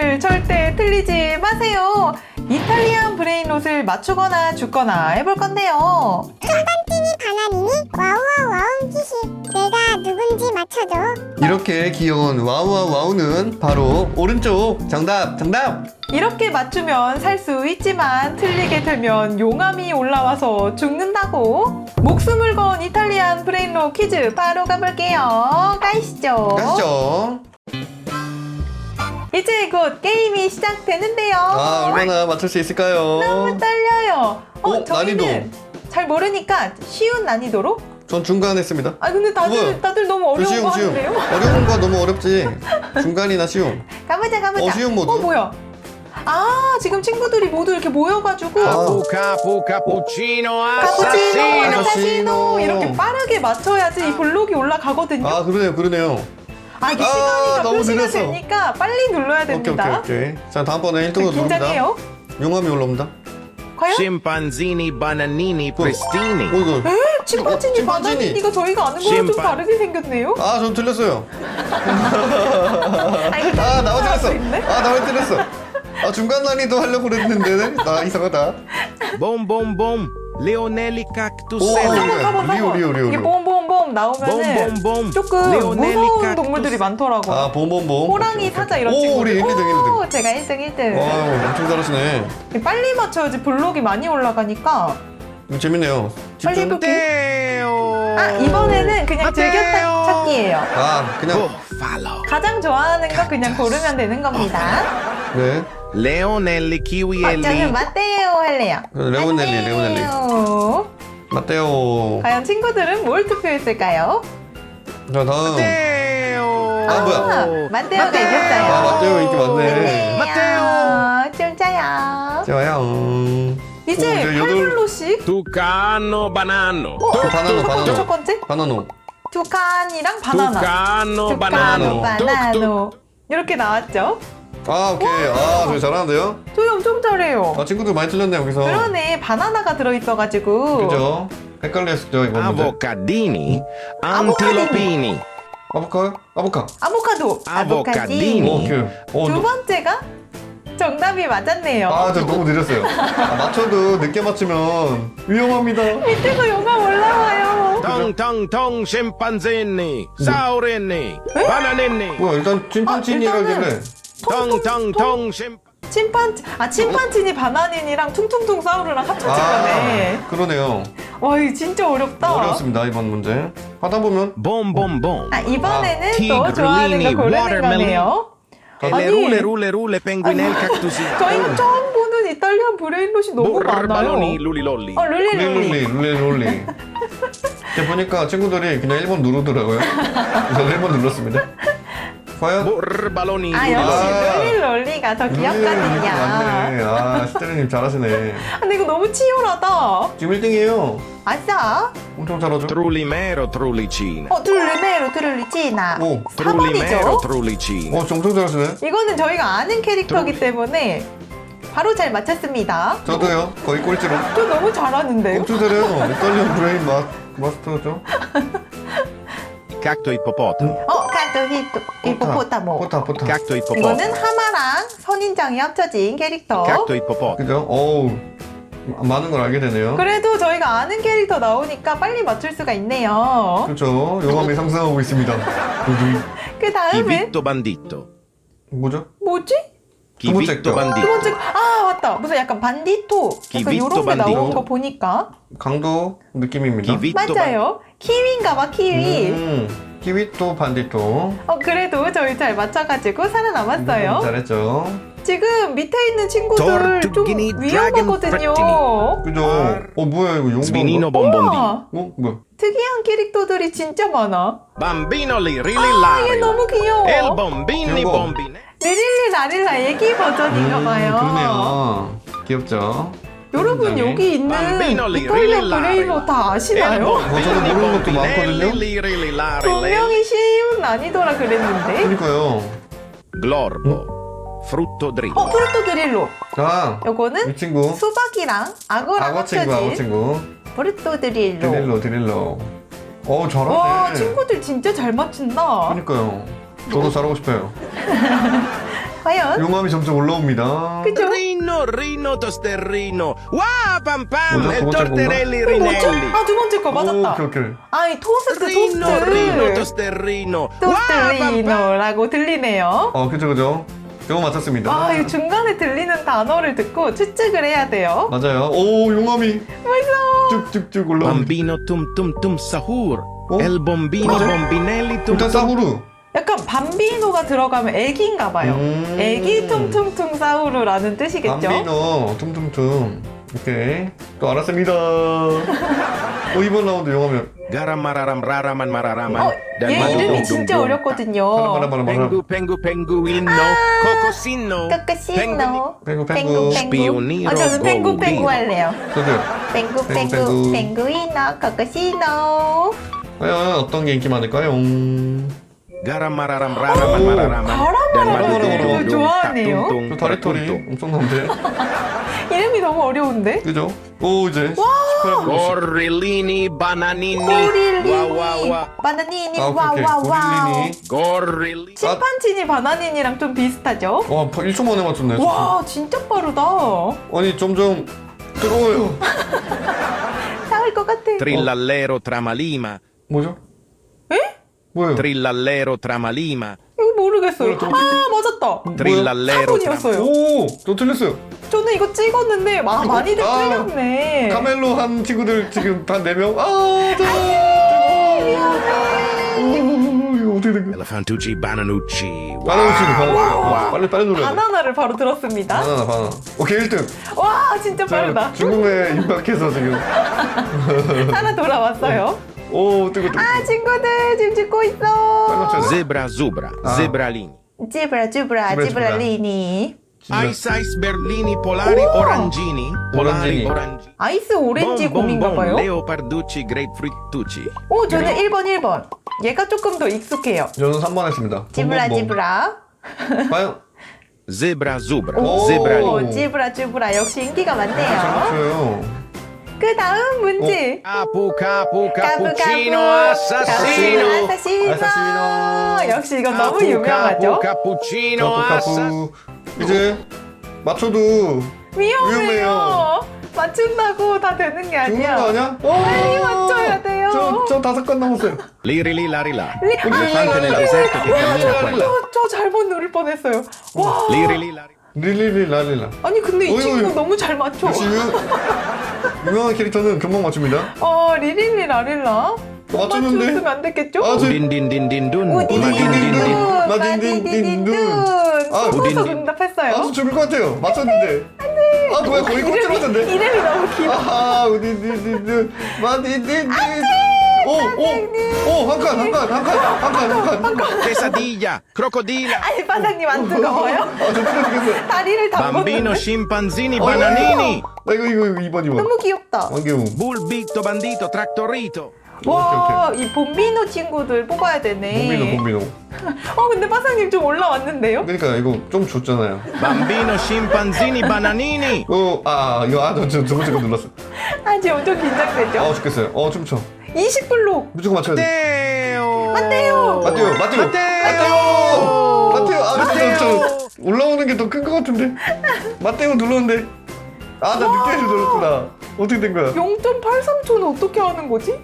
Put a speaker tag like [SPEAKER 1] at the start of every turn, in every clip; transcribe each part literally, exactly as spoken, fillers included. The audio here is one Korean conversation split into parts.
[SPEAKER 1] 친구들 절대 틀리지 마세요. 이탈리안 브레인롯을 맞추거나 죽거나 해볼 건데요.
[SPEAKER 2] 찐빵찐이 바나니니 와우와 와우 기시. 내가 누군지 맞춰줘.
[SPEAKER 3] 이렇게 귀여운 와우와 와우는 바로 오른쪽. 정답 정답.
[SPEAKER 1] 이렇게 맞추면 살 수 있지만 틀리게 되면 용암이 올라와서 죽는다고. 목숨을 건 이탈리안 브레인롯 퀴즈 바로 가볼게요. 가시죠.
[SPEAKER 3] 가시죠.
[SPEAKER 1] 이제 곧 게임이 시작되는데요.
[SPEAKER 3] 아, 얼마나 맞출 수 있을까요?
[SPEAKER 1] 너무 떨려요. 어,
[SPEAKER 3] 어,
[SPEAKER 1] 저희는
[SPEAKER 3] 난이도.
[SPEAKER 1] 잘 모르니까 쉬운 난이도로?
[SPEAKER 3] 전 중간 했습니다.
[SPEAKER 1] 아 근데 다들
[SPEAKER 3] 뭐야?
[SPEAKER 1] 다들 너무 어려운
[SPEAKER 3] 쉬움
[SPEAKER 1] 거
[SPEAKER 3] 쉬움.
[SPEAKER 1] 하는데요?
[SPEAKER 3] 어려운 거 너무 어렵지. 중간이나 쉬움.
[SPEAKER 1] 가보자 가보자.
[SPEAKER 3] 어, 쉬운 모드.
[SPEAKER 1] 어 뭐야? 아 지금 친구들이 모두 이렇게 모여가지고
[SPEAKER 3] 아.
[SPEAKER 4] Capu, capu, cappuccino,
[SPEAKER 1] 카푸치노,
[SPEAKER 4] assassino.
[SPEAKER 1] 아사시노 이렇게 빠르게 맞춰야지 이 블록이 올라가거든요.
[SPEAKER 3] 아, 그러네요, 그러네요.
[SPEAKER 1] 아 이게
[SPEAKER 3] 아,
[SPEAKER 1] 시간이
[SPEAKER 3] 너무
[SPEAKER 1] 표시가
[SPEAKER 3] 느렸어.
[SPEAKER 1] 되니까 빨리 눌러야
[SPEAKER 3] 오케이,
[SPEAKER 1] 됩니다.
[SPEAKER 3] 오케이, 오케이. 자, 다음번에 일 등으로 누릅니다.
[SPEAKER 1] 긴장해요.
[SPEAKER 3] 용암이 올라옵니다.
[SPEAKER 1] 과연?
[SPEAKER 4] Scimpanzini, bananini, pristini.
[SPEAKER 3] 어, 이거.
[SPEAKER 1] 에? 침pan지니
[SPEAKER 3] 어,
[SPEAKER 1] 바나니니가 저희가 아는 거랑 좀
[SPEAKER 4] 침pan.
[SPEAKER 1] 다르게 생겼네요.
[SPEAKER 3] 아, 전 틀렸어요.
[SPEAKER 1] 아, 이거
[SPEAKER 3] 아, 나만
[SPEAKER 1] 할수
[SPEAKER 3] 틀렸어.
[SPEAKER 1] 있네?
[SPEAKER 3] 아, 나만 틀렸어. 아, 중간 난이도 하려고 그랬는데. 나 이상하다.
[SPEAKER 4] Bom, bom, bom. Leonelli
[SPEAKER 3] 오,
[SPEAKER 4] cactuselli.
[SPEAKER 3] 그래.
[SPEAKER 1] 한번
[SPEAKER 3] 리오,
[SPEAKER 1] 한번
[SPEAKER 3] 리오, 리오,
[SPEAKER 1] 이게
[SPEAKER 3] 리오.
[SPEAKER 1] 봄봄봄 나오면은
[SPEAKER 4] 봄봄봄.
[SPEAKER 1] 조금
[SPEAKER 4] 레오넬리
[SPEAKER 1] 무서운
[SPEAKER 4] 깍두스.
[SPEAKER 1] 동물들이 많더라고요.
[SPEAKER 3] 아, 봄봄봄.
[SPEAKER 1] 호랑이,
[SPEAKER 3] 오케이, 오케이.
[SPEAKER 1] 사자 이런
[SPEAKER 3] 오,
[SPEAKER 1] 친구들.
[SPEAKER 3] 우리 일 등, 일 등.
[SPEAKER 1] 오, 제가 일 등, 일 등.
[SPEAKER 3] 와, 엄청 잘하시네.
[SPEAKER 1] 빨리 맞춰야지 블록이 많이 올라가니까.
[SPEAKER 3] 이거 재밌네요.
[SPEAKER 1] 빨리
[SPEAKER 3] 집중.
[SPEAKER 1] 해볼게요.
[SPEAKER 4] Matteo.
[SPEAKER 1] 아 이번에는 그냥
[SPEAKER 4] 마테오.
[SPEAKER 1] 즐겼다 찾기예요.
[SPEAKER 3] 아, 그냥.
[SPEAKER 4] Buffalo.
[SPEAKER 1] 가장 좋아하는 거 그냥 고르면 되는 겁니다.
[SPEAKER 3] 네.
[SPEAKER 4] Leonelli,
[SPEAKER 1] 어, 저는
[SPEAKER 4] kiwielli.
[SPEAKER 1] 마테오 할래요.
[SPEAKER 3] 레오넬리, 레오넬리.
[SPEAKER 1] 마테오.
[SPEAKER 3] 맞대요.
[SPEAKER 1] 과연 친구들은 뭘 투표했을까요?
[SPEAKER 3] 자, 다음.
[SPEAKER 4] Matteo.
[SPEAKER 3] 아, 뭐야?
[SPEAKER 1] 아, 마테오가 이겼어요.
[SPEAKER 3] 아, 마테오 인기 많네.
[SPEAKER 1] 마테오. 진짜야.
[SPEAKER 3] 좋아요. 음.
[SPEAKER 1] 이제
[SPEAKER 3] 오, 이제
[SPEAKER 1] 팔
[SPEAKER 3] 여덟-
[SPEAKER 1] 블로씩
[SPEAKER 4] Tucano, banano.
[SPEAKER 3] 그 바나노,
[SPEAKER 1] 첫
[SPEAKER 3] 바나노.
[SPEAKER 1] 번째
[SPEAKER 3] 바나노.
[SPEAKER 1] 투칸이랑 바나나.
[SPEAKER 4] Tucano,
[SPEAKER 1] 투카노,
[SPEAKER 4] banano.
[SPEAKER 1] 바나노. 이렇게 나왔죠?
[SPEAKER 3] 아, 오케이. 아, 저희 잘하는데요?
[SPEAKER 1] 저희 엄청 잘해요.
[SPEAKER 3] 아, 친구들 많이 틀렸네, 여기서.
[SPEAKER 1] 그러네, 바나나가 들어있어가지고.
[SPEAKER 3] 그죠? 헷갈렸죠, 이거 문제.
[SPEAKER 4] Avocadini,
[SPEAKER 1] Avocadini.
[SPEAKER 4] antilopini.
[SPEAKER 3] 아보카? 아보카.
[SPEAKER 1] 아보카도.
[SPEAKER 4] 아보카디니.
[SPEAKER 3] 오, 오케이. 어,
[SPEAKER 1] 두
[SPEAKER 3] 너-
[SPEAKER 1] 번째가 정답이 맞았네요.
[SPEAKER 3] 아, 저 너무 느렸어요. 아, 맞춰도 늦게 맞추면 위험합니다.
[SPEAKER 1] 밑에서 영감 올라와요.
[SPEAKER 4] Tong, tong, tong, scimpanzini, saurini, bananini.
[SPEAKER 3] 뭐야, 일단 찐판찐이라길래.
[SPEAKER 4] Tong, tong, tong, scimp.
[SPEAKER 1] 침판, 아, 침판치니 바나닌이랑 퉁퉁퉁 사우르랑 합쳐진 거네.
[SPEAKER 3] 아, 그러네요.
[SPEAKER 1] 와, 이거 진짜 어렵다.
[SPEAKER 3] 어려웠습니다, 이번 문제. 하다 보면.
[SPEAKER 4] Bom, bom, bom.
[SPEAKER 1] 아, 이번에는
[SPEAKER 4] 아,
[SPEAKER 1] 또
[SPEAKER 4] 티그릴리니,
[SPEAKER 1] 좋아하는 거 고르는
[SPEAKER 4] watermelon.
[SPEAKER 1] 거네요.
[SPEAKER 4] E le rule, rule, rule, penguinel, cactusi.
[SPEAKER 1] 저희가 처음 보는 이탈리안 브레인롯이 너무 많아요.
[SPEAKER 4] Balloni, lulilolli.
[SPEAKER 1] 어, 룰리룰리.
[SPEAKER 3] 룰리, 룰리, 룰리. 이제 보니까 친구들이 그냥 일 번 누르더라고요. 저도 일 번 눌렀습니다. 과연?
[SPEAKER 4] Borbaloni,
[SPEAKER 1] 아,
[SPEAKER 4] lulilolli.
[SPEAKER 1] 역시 룰리룰리가 더 귀엽거든요.
[SPEAKER 3] 맞네. 아, 시테르님 잘하시네.
[SPEAKER 1] 아, 근데 이거 너무 치열하다.
[SPEAKER 3] 지금 일 등이에요.
[SPEAKER 1] 아싸.
[SPEAKER 3] 엄청 잘하죠?
[SPEAKER 4] Trullimero, trullicina.
[SPEAKER 1] 어, 트룰리메로 트룰리치나.
[SPEAKER 3] 오,
[SPEAKER 1] 사
[SPEAKER 4] Trullimero,
[SPEAKER 1] 번이죠.
[SPEAKER 4] trullicina.
[SPEAKER 3] 어, 엄청 잘하시네.
[SPEAKER 1] 이거는 저희가 아는 캐릭터이기 때문에 바로 잘 맞췄습니다.
[SPEAKER 3] 저도요. 거의 꼴찌로.
[SPEAKER 1] 저 너무 잘하는데요?
[SPEAKER 3] 엄청 잘해요. 이탈리안 브레인 마, 마스터죠?
[SPEAKER 4] Cacto ippopotamo.
[SPEAKER 1] 어, 카토 히토 히포포타모.
[SPEAKER 3] 포타, 포타.
[SPEAKER 4] Cacto ippopotamo.
[SPEAKER 1] 이거는 하마랑 선인장이 합쳐진 캐릭터.
[SPEAKER 4] Cacto ippopotamo.
[SPEAKER 3] 그죠? 어우, 많은 걸 알게 되네요.
[SPEAKER 1] 그래도 저희가 아는 캐릭터 나오니까 빨리 맞출 수가 있네요.
[SPEAKER 3] 그렇죠. 용암이 상승하고 있습니다. 두둥.
[SPEAKER 1] 그
[SPEAKER 4] Chi
[SPEAKER 1] 다음은
[SPEAKER 4] vitto bandito.
[SPEAKER 3] 뭐죠?
[SPEAKER 1] 뭐지?
[SPEAKER 4] Chi
[SPEAKER 3] 두 번째
[SPEAKER 4] vitto
[SPEAKER 3] 거.
[SPEAKER 1] 두
[SPEAKER 4] bandito.
[SPEAKER 1] 번째, 아, 맞다. 무슨 약간 반디토. 약간
[SPEAKER 4] 기비토
[SPEAKER 1] 요런 게
[SPEAKER 4] 반디토.
[SPEAKER 1] 나온 거 보니까.
[SPEAKER 3] 강도 느낌입니다.
[SPEAKER 4] Chi vitto bandito.
[SPEAKER 1] 맞아요. 키위인가 봐, 키위.
[SPEAKER 3] 음, 키위토 반디토.
[SPEAKER 1] 어, 그래도 저희 잘 맞춰가지고 살아남았어요.
[SPEAKER 3] 음, 잘했죠.
[SPEAKER 1] 지금 밑에 있는 친구들 좀
[SPEAKER 4] tortughini,
[SPEAKER 1] 위험하거든요.
[SPEAKER 3] 그죠? 어, 뭐야, 이거
[SPEAKER 4] Svinino
[SPEAKER 3] 용광.
[SPEAKER 4] bombondi.
[SPEAKER 1] 우와,
[SPEAKER 3] 어, 뭐야?
[SPEAKER 1] 특이한 캐릭터들이 진짜 많아.
[SPEAKER 4] Bambino li
[SPEAKER 1] 아, 얘
[SPEAKER 4] rilillari.
[SPEAKER 1] 너무 귀여워.
[SPEAKER 4] El bombini
[SPEAKER 3] 귀여워.
[SPEAKER 4] bombine.
[SPEAKER 1] 리릴리 라릴라 애기 버전인가 봐요.
[SPEAKER 3] 음, 그러네요. 귀엽죠?
[SPEAKER 1] 여러분
[SPEAKER 3] 굉장히.
[SPEAKER 1] 여기 있는
[SPEAKER 4] 밤비놀리,
[SPEAKER 1] 이탈리아
[SPEAKER 4] 릴릴라리.
[SPEAKER 1] 브레이로 다
[SPEAKER 4] El
[SPEAKER 1] 아시나요?
[SPEAKER 3] 어, 저도
[SPEAKER 4] bombini
[SPEAKER 3] 모르는 것도 많거든요?
[SPEAKER 4] bombinelli rilillari.
[SPEAKER 1] 분명히 쉬운 난이도라 그랬는데.
[SPEAKER 3] 그러니까요.
[SPEAKER 4] Glorbo. Frutto dritto.
[SPEAKER 1] 어, 프루토 드릴로.
[SPEAKER 3] 자,
[SPEAKER 1] 요거는
[SPEAKER 3] 이 친구.
[SPEAKER 1] 수박이랑 악어랑
[SPEAKER 3] 악어 친구, 악어
[SPEAKER 1] 합쳐진
[SPEAKER 3] 친구.
[SPEAKER 1] 프루토 드릴로.
[SPEAKER 3] 드릴로, 드릴로. 어, 잘하네.
[SPEAKER 1] 와, 친구들 진짜 잘 맞춘다.
[SPEAKER 3] 그러니까요. 저도 잘하고 싶어요.
[SPEAKER 1] 과연?
[SPEAKER 3] 용암이 점점 올라옵니다.
[SPEAKER 1] 그죠?
[SPEAKER 4] Rino, Rino Tosterrino. Wow, pam pam.
[SPEAKER 3] 뭐죠?
[SPEAKER 4] E
[SPEAKER 3] 두 번째
[SPEAKER 4] torterelli
[SPEAKER 1] 뭐죠?
[SPEAKER 4] rinelli.
[SPEAKER 1] 아, 두 번째 거
[SPEAKER 3] 오,
[SPEAKER 1] 맞았다.
[SPEAKER 3] 오케이, 오케이.
[SPEAKER 1] 아이, 토스트,
[SPEAKER 4] Rino, Rino
[SPEAKER 1] 토스트.
[SPEAKER 4] Tosterrino. Wow, pam pam.
[SPEAKER 1] 토스트리노라고 들리네요.
[SPEAKER 3] 어, 그죠, 그죠. 이거 맞췄습니다.
[SPEAKER 1] 아, 이 중간에 들리는 단어를 듣고 추측을 해야 돼요.
[SPEAKER 3] 맞아요. 오, 용암이
[SPEAKER 1] 무서워.
[SPEAKER 3] 쭉쭉쭉 올라옵니다.
[SPEAKER 4] Bambino tum tum tum sahur.
[SPEAKER 3] Oh?
[SPEAKER 4] El bombini
[SPEAKER 3] Cos'è?
[SPEAKER 4] bombinelli tum
[SPEAKER 3] 일단
[SPEAKER 4] tum.
[SPEAKER 3] 싸구루.
[SPEAKER 1] 약간 밤비노가 들어가면 애기인가 봐요.
[SPEAKER 3] 음.
[SPEAKER 1] 애기 퉁퉁퉁 사우루라는 뜻이겠죠?
[SPEAKER 3] 밤비노, tumtumtum. 오케이. 또 알았습니다. 오, 이번 라운드 용암이.
[SPEAKER 4] Garamararam raraman mararaman.
[SPEAKER 1] 어,
[SPEAKER 4] Dan
[SPEAKER 1] 얘
[SPEAKER 4] madu
[SPEAKER 1] 이름이
[SPEAKER 4] dum
[SPEAKER 1] 진짜
[SPEAKER 4] dum dum.
[SPEAKER 1] 어렵거든요.
[SPEAKER 3] 바라바라바라.
[SPEAKER 4] Pengu pengu penguino. Cocosino.
[SPEAKER 1] 까까시노.
[SPEAKER 3] 펭구, 펭구.
[SPEAKER 1] 펭구.
[SPEAKER 4] Spioniro
[SPEAKER 1] 아, 저는 펭구 펭구
[SPEAKER 4] Goldino.
[SPEAKER 1] 할래요.
[SPEAKER 3] 저도요.
[SPEAKER 1] 펭구
[SPEAKER 3] 펭구,
[SPEAKER 1] 펭구
[SPEAKER 3] 펭구.
[SPEAKER 1] 펭구이노 까까시노.
[SPEAKER 3] 과연 어떤 게 인기 많을까요?
[SPEAKER 4] Garamararam raraman mararaman.
[SPEAKER 1] 가라마라라도
[SPEAKER 4] Dan madu dum dum dum.
[SPEAKER 1] 좋아하네요.
[SPEAKER 4] Tatum,
[SPEAKER 3] 저
[SPEAKER 4] tum,
[SPEAKER 3] 다리털이
[SPEAKER 4] tatum, tum.
[SPEAKER 3] 엄청난데.
[SPEAKER 1] 이름이 너무 어려운데?
[SPEAKER 3] 그죠? 오, 이제 십팔 분.
[SPEAKER 4] Gorillini bananini.
[SPEAKER 1] 꼬릴리니
[SPEAKER 4] Wow wow wow.
[SPEAKER 1] 바나니니
[SPEAKER 3] 아, 오케이, 오케이.
[SPEAKER 1] 와와와우.
[SPEAKER 3] 고릴리니.
[SPEAKER 4] Gorillini.
[SPEAKER 1] 침판치니 바나니니랑 좀 비슷하죠?
[SPEAKER 3] 와, 일 초 만에 맞췄네. 진짜.
[SPEAKER 1] 와 진짜 빠르다.
[SPEAKER 3] 아니, 점점 뜨거워요.
[SPEAKER 1] 나을 것 같아.
[SPEAKER 4] Trillallero tramalima.
[SPEAKER 3] 뭐죠?
[SPEAKER 1] 에?
[SPEAKER 3] 뭐예요?
[SPEAKER 4] Trillallero tramalima.
[SPEAKER 1] 이거 모르겠어요.
[SPEAKER 3] 뭐야,
[SPEAKER 1] 아 맞았다.
[SPEAKER 4] Trillallero tramalima.
[SPEAKER 1] 사분이었어요.
[SPEAKER 3] 오, 저 틀렸어요.
[SPEAKER 1] 저는 이거 찍었는데 아, 많이들
[SPEAKER 3] 아,
[SPEAKER 1] 틀렸네.
[SPEAKER 3] 카멜로 한 친구들 지금 단 네 명. 아, 저. 오, 이거 어떻게 된 거야?
[SPEAKER 4] Elefantucci bananucci.
[SPEAKER 3] 바나우치는 바나.
[SPEAKER 4] 와.
[SPEAKER 3] 빨리 빨리 노래.
[SPEAKER 1] 바나나를 바로 들었습니다.
[SPEAKER 3] 바나나 바나나. 오케이 일 등.
[SPEAKER 1] 와 진짜 빠르다.
[SPEAKER 3] 중국에 임박해서 지금.
[SPEAKER 1] 하나 돌아왔어요.
[SPEAKER 3] 오, 뜨거 뜨거.
[SPEAKER 1] 아 친구들 지금 찍고
[SPEAKER 3] 빨리
[SPEAKER 1] 있어.
[SPEAKER 3] 맞춰야 돼.
[SPEAKER 4] Zebra zubra.
[SPEAKER 3] Ah.
[SPEAKER 4] Zebralini.
[SPEAKER 1] 찌브라 찌브라
[SPEAKER 3] 찌브라,
[SPEAKER 1] 찌브라리니.
[SPEAKER 4] Ice ice berlini polari orangini.
[SPEAKER 3] Orangini.
[SPEAKER 4] Polari orangini.
[SPEAKER 1] 아이스 오렌지 곰인가 봐요.
[SPEAKER 4] Leoparducci grapefruitucci.
[SPEAKER 1] 오 저는 일 번 일 번. 얘가 조금 더 익숙해요.
[SPEAKER 3] 저는 삼 번 했습니다.
[SPEAKER 1] 찌브라
[SPEAKER 3] 봄봄봄.
[SPEAKER 1] 찌브라.
[SPEAKER 3] 과연
[SPEAKER 4] Zebra zubra.
[SPEAKER 3] 오.
[SPEAKER 4] Zebralini.
[SPEAKER 1] 오 찌브라 찌브라 역시 인기가
[SPEAKER 3] 잘
[SPEAKER 1] 많네요.
[SPEAKER 3] 맞춰요.
[SPEAKER 1] 그 다음 문제.
[SPEAKER 4] Capu capu
[SPEAKER 1] 까부,
[SPEAKER 4] cappuccino
[SPEAKER 1] 까부.
[SPEAKER 4] assassino.
[SPEAKER 1] 아사시노.
[SPEAKER 3] 아사시노.
[SPEAKER 1] 역시 이건 너무
[SPEAKER 4] Capu
[SPEAKER 1] 유명하죠.
[SPEAKER 4] capu cappuccino
[SPEAKER 3] 카푸
[SPEAKER 4] assassino.
[SPEAKER 3] 카푸. 이제 맞춰도
[SPEAKER 1] 위험해요.
[SPEAKER 3] 위험해요.
[SPEAKER 1] 맞춘다고 다 되는 게
[SPEAKER 3] 죽는
[SPEAKER 1] 아니야.
[SPEAKER 3] 거 아니야?
[SPEAKER 1] 빨리 맞춰야 돼요.
[SPEAKER 3] 저, 저 다섯 건 남았어요.
[SPEAKER 4] Lirili larila.
[SPEAKER 1] 리-
[SPEAKER 4] Elefante nel deserto che cammina qua.
[SPEAKER 1] 저, 저 잘못 누를 뻔했어요. 와.
[SPEAKER 4] Lirili larila.
[SPEAKER 3] 릴릴리 랄릴라.
[SPEAKER 1] 아니 근데 이
[SPEAKER 3] 어이구,
[SPEAKER 1] 친구
[SPEAKER 3] 어이구.
[SPEAKER 1] 너무 잘 맞춰.
[SPEAKER 3] 역시 유, 유명한 캐릭터는 금방 맞춥니다.
[SPEAKER 1] 어 리릴리 라릴라. 못
[SPEAKER 3] 맞췄는데?
[SPEAKER 1] 맞췄으면 안 됐겠죠?
[SPEAKER 3] 아, 저-
[SPEAKER 4] Din din din din dun.
[SPEAKER 1] 우디디딘둔
[SPEAKER 3] 마딘딘딘둔. 아,
[SPEAKER 1] 숨어서
[SPEAKER 4] 우딘딘.
[SPEAKER 1] 응답했어요.
[SPEAKER 3] 아, 저 죽을 것 같아요. 맞췄는데. 아, 뭐야, 거의 꼴찌
[SPEAKER 1] 이름이,
[SPEAKER 3] 같은데.
[SPEAKER 1] 이름이 너무 길어.
[SPEAKER 3] 아하, 우디디디디, 마디디디. 오, 오, 오, 한 칸, 한 칸, 한 칸, 한 칸, 한 칸.
[SPEAKER 4] Quesadilla. Crocodila.
[SPEAKER 1] 아니 바닥님 안 뜨거워요?
[SPEAKER 3] 아, 저 뜨거 죽겠어.
[SPEAKER 1] 다리를
[SPEAKER 4] Bambino
[SPEAKER 1] 담궜는데
[SPEAKER 4] scimpanzini
[SPEAKER 3] 어,
[SPEAKER 4] bananini.
[SPEAKER 3] 나 이거, 이거, 이거 이 번, 이 번.
[SPEAKER 1] 너무 귀엽다.
[SPEAKER 3] 왕개웅.
[SPEAKER 4] Bulbito bandito trattorito.
[SPEAKER 1] 와, 이 봄비노 친구들 뽑아야 되네.
[SPEAKER 3] 봄비노, 봄비노.
[SPEAKER 1] 어, 근데 빠상님 좀 올라왔는데요?
[SPEAKER 3] 그러니까 이거 좀 줬잖아요.
[SPEAKER 4] Bambino scimpanzini bananini.
[SPEAKER 3] 어, 아, 이거, 아, 저, 두 번째 거 눌렀어.
[SPEAKER 1] 아, 지금 엄청 긴장되죠?
[SPEAKER 3] 아, 죽겠어요. 어, 춤춰.
[SPEAKER 1] 이십 블록.
[SPEAKER 3] 무조건 맞춰야 돼.
[SPEAKER 4] Matteo.
[SPEAKER 1] Matteo.
[SPEAKER 3] 마테오, 마테오.
[SPEAKER 4] 마테오.
[SPEAKER 3] 마테오. 아,
[SPEAKER 4] 마테오.
[SPEAKER 3] 저, 저, 올라오는 게 더 큰 것 같은데. 마테오 눌렀는데. 아, 나 늦게 해서 눌렀구나. 어떻게 된 거야?
[SPEAKER 1] 영 점 팔삼 초는 어떻게 하는 거지?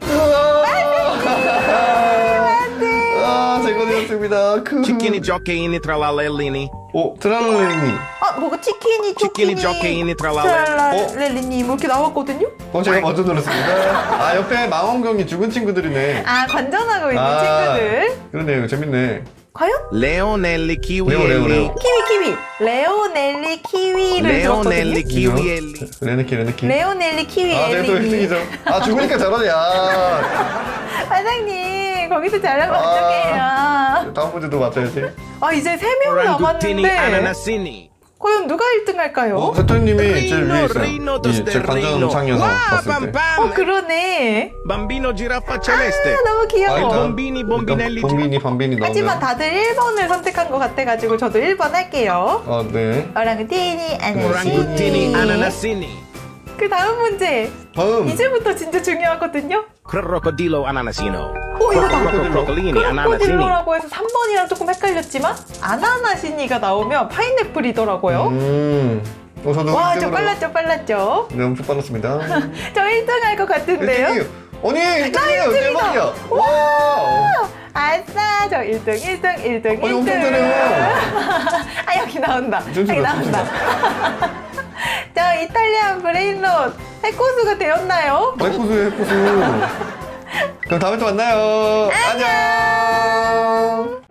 [SPEAKER 3] 아, 제거되었습니다. 그.
[SPEAKER 4] Cicchini giocheini tra lalellini.
[SPEAKER 3] 오, 트랄랄레니.
[SPEAKER 1] 아, 뭐가 치킨이,
[SPEAKER 4] 치킨이,
[SPEAKER 1] 초키니,
[SPEAKER 4] 조끼니, 트랄랄레.
[SPEAKER 1] 트랄랄레니 뭐 이렇게 나왔거든요?
[SPEAKER 3] 어, 제가 먼저 눌렀습니다. 아, 옆에 망원경이 죽은 친구들이네.
[SPEAKER 1] 아, 관전하고 있는
[SPEAKER 3] 아.
[SPEAKER 1] 친구들.
[SPEAKER 3] 그러네요. 재밌네.
[SPEAKER 1] 과연?
[SPEAKER 4] Leonelli
[SPEAKER 3] 레오, 레오, 레오.
[SPEAKER 4] kiwielli.
[SPEAKER 1] 키위, 키위. 레오넬리 키위를
[SPEAKER 4] Leonelli
[SPEAKER 1] 들었거든요?
[SPEAKER 4] kiwielli.
[SPEAKER 3] 레네키, 레네키.
[SPEAKER 1] 레오넬리 키위
[SPEAKER 3] 아, 제가 또 일 등이죠.
[SPEAKER 1] 엘리.
[SPEAKER 3] 아, 죽으니까 저러냐.
[SPEAKER 1] 사장님, 거기서 잘하면
[SPEAKER 3] 아.
[SPEAKER 1] 어떡해요.
[SPEAKER 3] 다음 문제도 맞춰야지.
[SPEAKER 1] 아, 이제 세 명
[SPEAKER 4] Orangutini
[SPEAKER 1] 남았는데.
[SPEAKER 4] ananassini.
[SPEAKER 1] 과연 누가 일 등 할까요?
[SPEAKER 3] 어? 세토님이 제일 위에
[SPEAKER 4] Rino,
[SPEAKER 3] 있어요.
[SPEAKER 4] Rino,
[SPEAKER 3] 이, 제
[SPEAKER 4] Tosterrino.
[SPEAKER 3] 관전창에서
[SPEAKER 4] Wow,
[SPEAKER 3] 봤을
[SPEAKER 4] pam
[SPEAKER 3] 때.
[SPEAKER 4] pam.
[SPEAKER 1] 어, 그러네.
[SPEAKER 4] Bambino giraffa celeste.
[SPEAKER 1] 아, 너무 귀여워.
[SPEAKER 3] 아, 일단-
[SPEAKER 4] bomбini, bombinelli.
[SPEAKER 3] 일단 bomбini, 밤빈이 나오면.
[SPEAKER 1] 하지만 다들 일 번을 선택한 것 같아가지고 저도 일 번 할게요.
[SPEAKER 3] 아, 네.
[SPEAKER 1] 오랑우티니
[SPEAKER 4] Orangutini
[SPEAKER 1] 아나시니.
[SPEAKER 4] ananassini.
[SPEAKER 1] 그 다음 문제.
[SPEAKER 3] 다음.
[SPEAKER 1] 이제부터 진짜 중요하거든요.
[SPEAKER 4] Crocodilo ananasino.
[SPEAKER 1] 오, 이거다.
[SPEAKER 4] Crocodilini, ananasini.
[SPEAKER 1] 크로코딜로라고 해서 삼 번이랑 조금 헷갈렸지만 아나나시니가 나오면 파인애플이더라고요.
[SPEAKER 3] 음. 어, 저도
[SPEAKER 1] 와,
[SPEAKER 3] 일
[SPEAKER 1] 저
[SPEAKER 3] 등으로-
[SPEAKER 1] 빨랐죠, 빨랐죠.
[SPEAKER 3] 네, 엄청 빨랐습니다.
[SPEAKER 1] 저 일 등 할 것 같은데요?
[SPEAKER 3] 일 등이에요. 아니, 일 등이에요.
[SPEAKER 1] 일 등이다.
[SPEAKER 3] 대박이야. 와.
[SPEAKER 1] 아싸, 저 일 등, 일 등, 일 등,
[SPEAKER 3] 아니,
[SPEAKER 1] 일
[SPEAKER 3] 엄청
[SPEAKER 1] 등.
[SPEAKER 3] 잘해요.
[SPEAKER 1] 아, 여기 나온다.
[SPEAKER 3] 좀
[SPEAKER 1] 여기
[SPEAKER 3] 주라,
[SPEAKER 1] 나온다. 저 이탈리안 브레인롯 해코수가 되었나요?
[SPEAKER 3] 해코수예요, 해코수. 그럼 다음에 또 만나요. 안녕.